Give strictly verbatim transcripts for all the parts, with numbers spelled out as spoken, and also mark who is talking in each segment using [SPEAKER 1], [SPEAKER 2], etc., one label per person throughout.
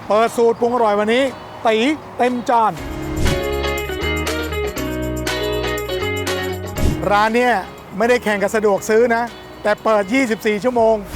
[SPEAKER 1] เปิดสูตรปรุงอร่อยวันนี้ตีเต็มจานร้านเนี่ยไม่ได้แข่งกับสะดวกซื้อนะแต่เปิดยี่สิบสี่ชั่วโมง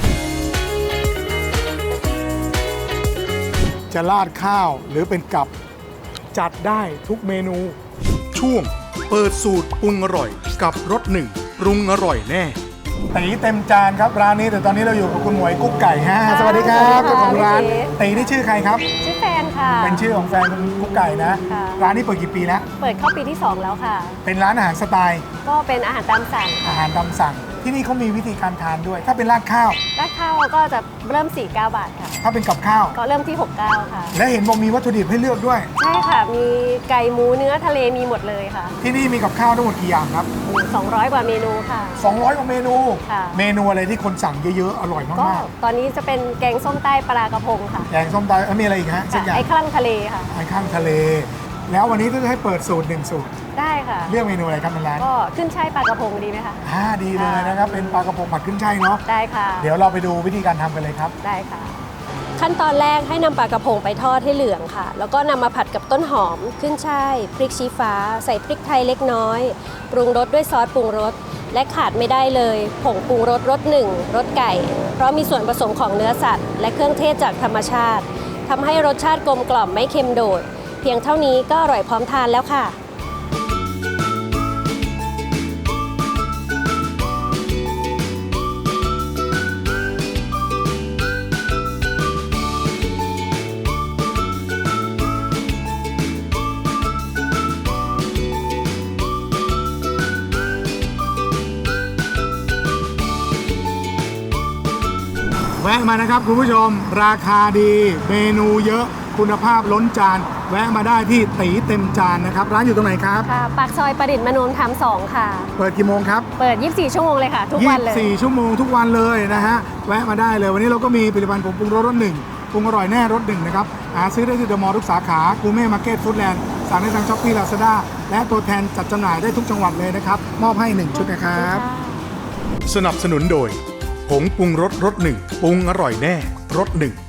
[SPEAKER 1] จะราดข้าวหรือเป็นกับจัดได้ทุกเมนูช่วงเปิดสูตรปรุงอร่อยกับรสหนึ่งปรุงอร่อยแน่ตีเต็มจานครับร้านนี้แต่ตอนนี้เราอยู่กับคุณหมวยกุ๊กไก่ฮะสวัสดีครับเจ้าของร้านตีนี่ชื่อใครครับ
[SPEAKER 2] ชื่อแฟนค่ะ
[SPEAKER 1] เป็นชื่อของแฟนคุณกุ๊กไก่นะร้านนี้เปิดกี่ปีแล้ว
[SPEAKER 2] เปิดเข้าปีที่สองแล้วค่ะ
[SPEAKER 1] เป็นร้านอาหารสไตล์
[SPEAKER 2] ก็เป็นอาหารตามสั่ง
[SPEAKER 1] อาหารตามสั่งที่นี่เขามีวิธีการทานด้วยถ้าเป็นราดข้าว
[SPEAKER 2] ราดข้าวก็จะเริ่มสี่สิบเก้าบาทค่ะ
[SPEAKER 1] ถ้าเป็นกับข้าว
[SPEAKER 2] ก็เริ่มที่หกสิบเก้าค่ะ
[SPEAKER 1] และเห็นบอกมีวัตถุดิบให้เลือกด้วย
[SPEAKER 2] ใช่ค่ะมีไก่หมูเนื้อทะเลมีหมดเลยค่ะ
[SPEAKER 1] ที่นี่มีกับข้าวทั้งหมดกี่อย่างครับ
[SPEAKER 2] สองร้อยกว่าเมนูค่ะ
[SPEAKER 1] สองร้อยกว่าเมนู
[SPEAKER 2] ค่ะ
[SPEAKER 1] เมนูอะไรที่คนสั่งเยอะๆอร่อยมากๆก็
[SPEAKER 2] ตอนนี้จะเป็นแกงส้มใต้ปลากระพงค่ะ
[SPEAKER 1] แกงส้มใต้แล้วมีอะไรอีกฮะสักอย่าง
[SPEAKER 2] ไอ้ข้างทะเลค่ะ
[SPEAKER 1] ไอ้ข้างทะเลแล้ววันนี้ก็จะให้เปิดสูตรหนึ่งสูตร
[SPEAKER 2] ได้ค่ะ
[SPEAKER 1] เลือกเมนูอะไรครับในร้าน
[SPEAKER 2] ก็ขึ้นช่ายปลากระพงดีไหมคะ
[SPEAKER 1] อ่าดีเลยนะครับเป็นปลากระพงผัดขึ้นช่ายเนาะ
[SPEAKER 2] ได้ค่ะ
[SPEAKER 1] เดี๋ยวเราไปดูวิธีการทำกันเลยครับ
[SPEAKER 2] ได้ค่ะขั้นตอนแรกให้นำปลากระพงไปทอดให้เหลืองค่ะแล้วก็นำมาผัดกับต้นหอมขึ้นช่ายพริกชี้ฟ้าใส่พริกไทยเล็กน้อยปรุงรสด้วยซอสปรุงรสและขาดไม่ได้เลยผงปรุงรสรสหนึ่งรสไก่เพราะมีส่วนผสมของเนื้อสัตว์และเครื่องเทศจากธรรมชาติทำให้รสชาติกลมกล่อมไม่เค็มโดดเพียงเท่านี้ก็อร่อยพร้อมทานแล้วค่ะ
[SPEAKER 1] แวะมานะครับคุณผู้ชมราคาดีเมนูเยอะคุณภาพล้นจานแวะมาได้ที่ตีเต็มจานนะครับร้านอยู่ตรงไหนครับ
[SPEAKER 2] ค่ะปากซอยประดิษฐ์มนูนธรรมสองค่ะ
[SPEAKER 1] เปิดกี่โมงครับ
[SPEAKER 2] เปิดยี่สิบสี่ชั่วโมงเลยค่ะทุกวันเลย
[SPEAKER 1] ยี่สิบสี่ชั่วโมงทุกวันเลยนะฮะแวะมาได้เลยวันนี้เราก็มีผลิตภัณฑ์ผงปรุงรสรสหนึ่งปรุงอร่อยแน่รสหนึ่งนะครับหาซื้อได้ที่เดอะมอลล์ทุกสาขากูเม่มาร์เก็ตฟู้ดแลนด์สั่งได้ทางช้อปปี้ลาซาด้าและตัวแทนจัดจำหน่ายได้ทุกจังหวัดเลยนะครับมอบให้หนึ่งชุดนะครับสนับสนุนโดยผงปรุงรสรสหนึ่งปรุงอร่อยแน่รสหนึ่ง